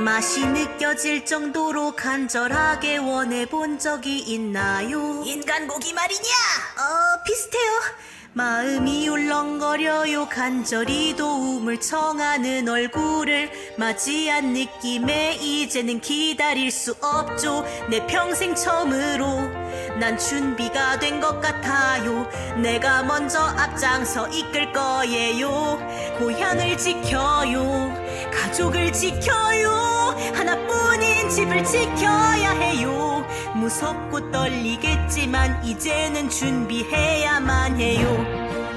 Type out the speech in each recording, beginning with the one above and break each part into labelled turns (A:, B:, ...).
A: 맛이 느껴질 정도로 간절하게 원해본 적이 있나요?
B: 인간 고기 말이냐?
A: 비슷해요. 마음이 울렁거려요. 간절히 도움을 청하는 얼굴을 맞이한 느낌에 이제는 기다릴 수 없죠. 내 평생 처음으로 난 준비가 된 것 같아요. 내가 먼저 앞장서 이끌 거예요. 고향을 지켜요. 가족을 지켜요. 하나뿐인 집을 지켜야 해요. 무섭고 떨리겠지만 이제는 준비해야만 해요.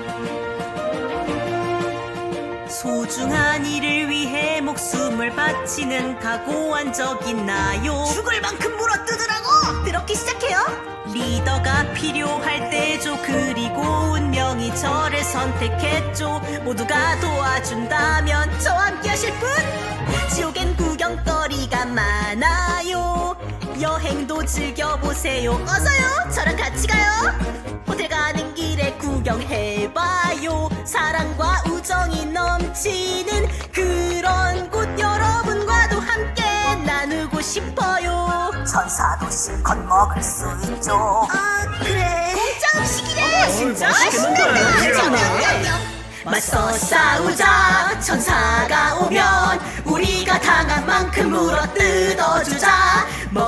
A: 소중한 일을 위해 목숨을 바치는 각오한 적 있나요?
B: 죽을 만큼 물어뜯으라고!
A: 그렇게 시작해요. 리더가 필요할 때죠. 그리고 운명이 저를 선택했죠. 모두가 도와준다면 저와 함께 하실 분? 지옥엔 구경거리가 많아요. 여행도 즐겨보세요. 어서요, 저랑 같이 가요. 호텔 가는 길에 구경해봐요. 사랑과 우정이 넘치는 그런 곳 여러분과도 함께 나누고 싶어요.
B: 천사도 실컷 먹을 수 있죠.
A: 그래.
B: 공짜 음식이래.
A: 진짜?
B: 맛있는데?
A: 맞서 싸우자. 천사가 오면 우리가 당한 만큼 물어 뜯어주자.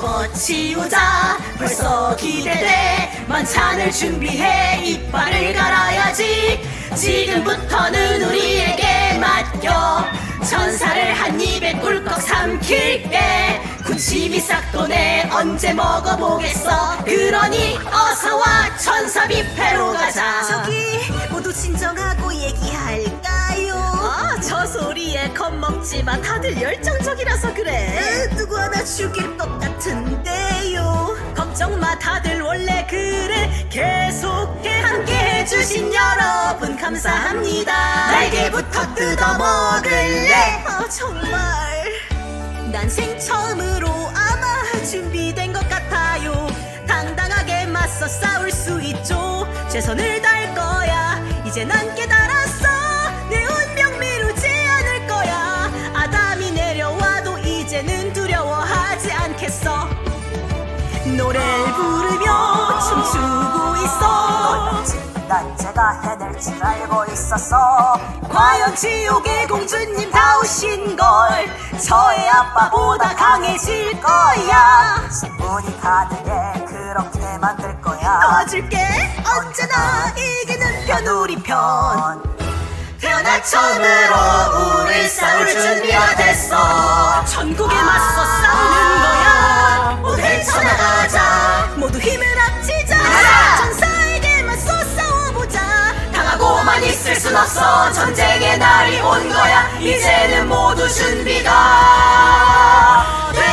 A: 먹어치우자. 벌써 기대돼. 만찬을 준비해. 이빨을 갈아야지. 지금부터는 우리에게 맡겨. 천사를 한 입에 꿀꺽 삼킬게. 군침이 싹 도네. 언제 먹어보겠어. 그러니 어서와 천사 뷔페로 가자. 저기 모두 진정하고 얘기할까요? 저 소리에 겁먹지마. 다들 열정적이라서 그래. 누구 하나 죽일 것 같은데요. 걱정마, 다들 원래 그래. 계속해. 함께 해주신 여러분 감사합니다. 날개부터 뜯어먹을래. 정말 난생 처음으로 아마 준비된 것 같아요. 당당하게 맞서 싸울 수 있죠. 최선을 다할 거야. 이제 난 깨달았어. 내 운명 미루지 않을 거야. 아담이 내려와도 이제는 두려워하지 않겠어. 노래를 부르며 춤추고 있어.
B: 난 제가 해낼 줄 알고 있었어.
A: 과연 지옥의 공주님 다우신걸. 저의 아빠보다 강해질 거야.
B: 신분이 가능해. 그렇게 만들 거야.
A: 도와줄게. 언제나 이기는 편 우리 편. 태어날 처음으로 우리 싸울 준비가 됐어. 천국에 맞서 싸우는 거야. 모두 헤쳐나가자. 모두 힘을 합치자. 천사에게 맞서 싸워보자. 당하고만 있을 순 없어. 전쟁의 날이 온 거야. 이제는 모두 준비가 돼.